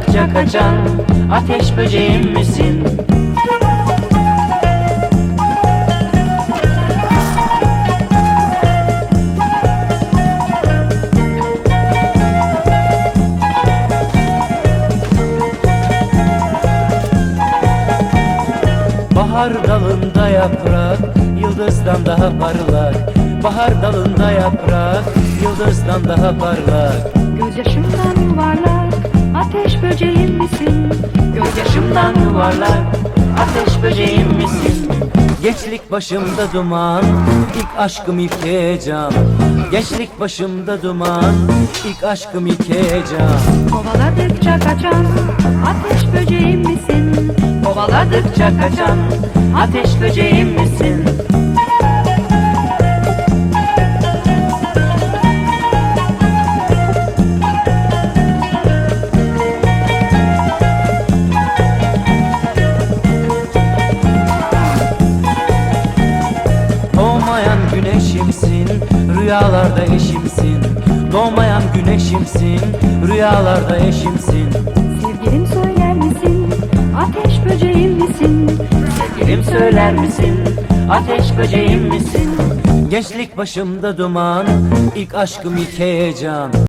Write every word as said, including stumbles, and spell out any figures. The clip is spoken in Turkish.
Kovaladıkça kaçan ateş böceğim misin? Bahar dalında yaprak, yıldızdan daha parlak. Bahar dalında yaprak, yıldızdan daha parlak. Gözyaşımdan yuvarlak ateş böceğim misin? Gözyaşımdan yuvarlak ateş böceğim misin? Gençlik başımda duman, ilk aşkım ilk heyecan. Gençlik başımda duman, ilk aşkım ilk heyecan. Kovaladıkça kaçan ateş böceğim misin? Kovaladıkça kaçan ateş böceğim misin? Doğmayan güneşimsin, rüyalarda eşimsin. Doğmayan güneşimsin, rüyalarda eşimsin. Sevgilim söyler misin? Ateş böceğim misin? Sevgilim söyler misin? Ateş böceğim misin? Gençlik başımda duman, ilk aşkım ilk heyecan.